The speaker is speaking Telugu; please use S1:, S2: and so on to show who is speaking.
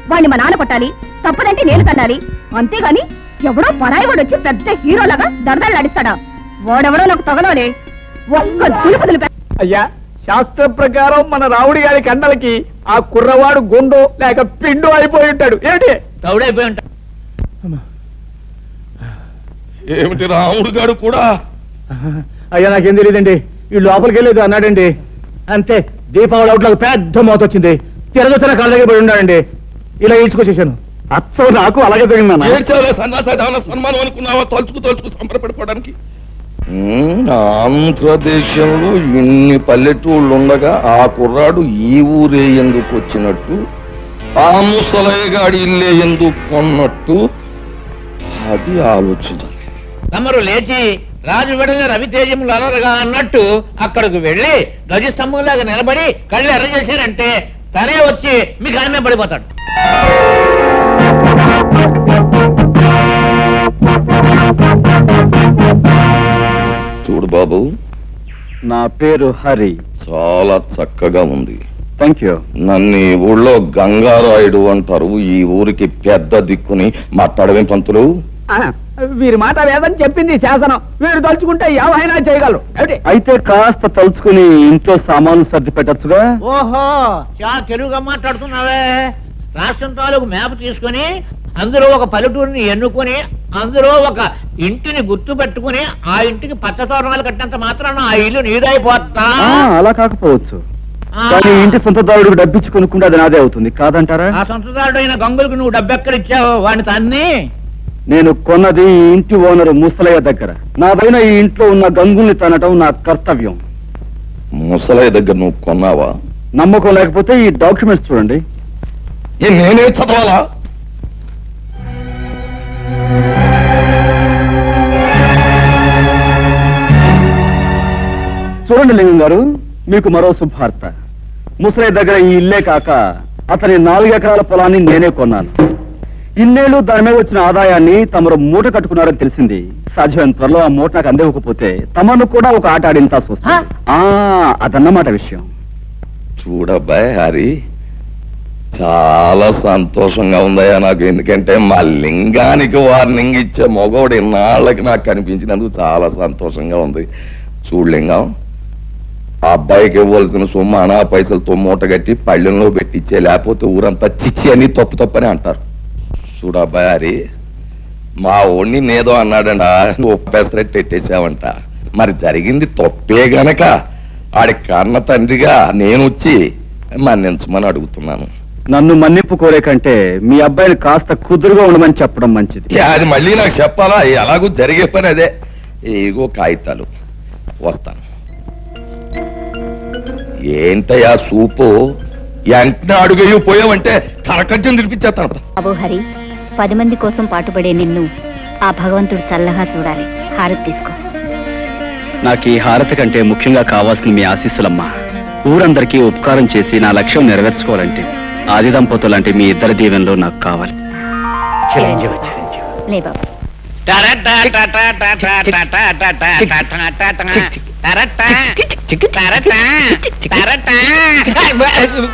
S1: వాణ్ణి మా నాన్న కొట్టాలి, తప్పదంటే నేను తన్నాలి. అంతేగాని ఎవడో పరాయి వాడు వచ్చి పెద్ద హీరోలాగా దడదళ్ళాడిస్తాడా? వాడెవడో నాకు తగలోనే ఒక్క దులుపుదులు.
S2: అయ్యా, శాస్త్ర ప్రకారం మన రావుడి గారి కండలకి ఆ కుర్రవాడు గుండో లేక పిండో అయిపోయి ఉంటాడు. ఏమిటి
S3: తౌడైపోయి ఉంటాడు.
S4: ఏమిటి రాముడు గారు కూడా?
S2: అయ్యా, నాకేం తెలియదండి. వీళ్ళు లోపలికి వెళ్ళేది అన్నాడండి. అంతే, దీపావళి అవుట్లకు పెద్ద మోత వచ్చింది. తిరగొచ్చిన కాళ్ళ దగ్గర పడి ఉన్నాడండి. ఇలా ఈడ్చుకొచ్చేసాను. అచ్చం నాకు అలాగే తగిన
S4: ఏడ్చావులే సన్నాసి, సన్మానం అనుకున్నావా? తలుచుకు సంబరపడిపోవడానికి. ఆంధ్రదేశంలో ఇన్ని పల్లెటూళ్ళు ఉండగా ఆ కుర్రాడు ఈ ఊరే ఎందుకు వచ్చినట్టు, ఆ ముసలయ్యగాడి ఇల్లే ఎందుకు కొన్నట్టు, అది ఆలోచించాలి.
S3: తమరు లేచి రాజు విడల రవితేజములు అలరగా అన్నట్టు అక్కడికి వెళ్లి ధ్వజస్తంభంలాగా నిలబడి కళ్ళు ఎర్ర చేశారంటే తనే వచ్చి మీకు ఆమె పడిపోతాడు.
S4: చూడు బాబు,
S2: నా పేరు హరి.
S4: చాలా చక్కగా ఉంది.
S2: Thank you.
S4: నన్ను ఈ ఊళ్ళో గంగారాయుడు అంటారు. ఈ ఊరికి పెద్ద దిక్కుని మాట్లాడవేం పంతులు?
S2: వీరి మాట వేదని చెప్పింది శాసనం. వీరు తలుచుకుంటే ఏమైనా చేయగలరు. అయితే కాస్త తలుచుకుని ఇంట్లో సామాన్లు సర్ది పెట్టచ్చుగా.
S3: ఓహో, చాలా తెలుగుగా మాట్లాడుతున్నావే. రాష్ట్రం తాలూకు మ్యాప్ తీసుకుని అందులో ఒక పల్లెటూరిని ఎన్నుకొని అందులో ఒక ఇంటిని గుర్తు పెట్టుకుని ఆ ఇంటికి పచ్చ తోరణాలు కట్టినంత మాత్రాన ఆ ఇల్లు నీదైపోతా.
S2: అలా కాకపోవచ్చు, కానీ ఇంటి సొంతదారుడికి డబ్బిచ్చి కొనుక్కుంటే అది నాదే అవుతుంది కాదంటారా?
S3: ఆ సొంతదారుడు అయిన గంగులకు నువ్వు డబ్బెక్కడిచ్చావు? వాడిని తన్ని
S2: నేను కొన్నది ఈ ఇంటి ఓనరు ముసలయ్య దగ్గర. నాదైన ఈ ఇంట్లో ఉన్న గంగుల్ని తనటం నా కర్తవ్యం.
S4: ముసలయ్య దగ్గర నువ్వు కొన్నావా?
S2: నమ్మకం లేకపోతే ఈ డాక్యుమెంట్స్ చూడండి.
S4: నేనే చదవాలా?
S2: చూడండి లింగం గారు, మీకు మరో శుభార్త. ముసలయ్య దగ్గర ఈ ఇల్లే కాక అతని 4 ఎకరాల పొలాన్ని నేనే కొన్నాను. ఇన్నేళ్లు దాని మీద వచ్చిన ఆదాయాన్ని తమరు మూట కట్టుకున్నారని తెలిసింది. సాధ్యమైన త్వరలో ఆ మూట నాకు అందివ్వకపోతే తమను కూడా ఒక ఆట ఆడింతా చూస్తా. అదన్నమాట విషయం.
S4: చూడబ్బాయ్ హరి, చాలా సంతోషంగా ఉందయ్యా నాకు. ఎందుకంటే మా లింగానికి వార్నింగ్ ఇచ్చే మగవాడు ఇన్నాళ్ళకి నాకు కనిపించినందుకు చాలా సంతోషంగా ఉంది. చూడు లింగం, ఆ అబ్బాయికి ఇవ్వాల్సిన సొమ్ము అనా పైసలతో మూట కట్టి పళ్ళెంలో పెట్టించే, లేకపోతే ఊరంతా చిచ్చి అని తప్పని అంటారు. చూడబ్బాయి హరి, మా ఓణ్ణి నేదో అన్నాడంట, ఒప్పేసరెట్టు ఎట్టేసావంట. మరి జరిగింది తప్పే గనక ఆడి కన్న తండ్రిగా నేను వచ్చి మన్నించమని అడుగుతున్నాను.
S2: నన్ను మన్నింపు కోరే కంటే మీ అబ్బాయిని కాస్త కుదురుగా ఉండమని చెప్పడం మంచిది.
S4: అది మళ్ళీ నాకు చెప్పాలా? ఎలాగూ జరిగే పని అదే. ఏగో కాగితాలు, వస్తాను. ఏంటయ్యా సూపు, వెంటనే అడుగయ్యూ పోయావంటే కరకజ్జం తినిపించేస్తాను.
S5: బాబు హరి, 10 మంది కోసం పాటుపడే నిన్ను ఆ భగవంతుడు చల్లగా చూడాలి. హారతి తీసుకో.
S2: నాకు ఈ హారతి కంటే ముఖ్యంగా కావాల్సిన మీ ఆశీస్సులమ్మా. ఊరందరికీ ఉపకారం చేసి నా లక్ష్యం నెరవేర్చుకోవాలంటే ఆది దంపతులంటే మీ ఇద్దరి దీవెనలో నాకు కావాలి.
S5: లే బాబు.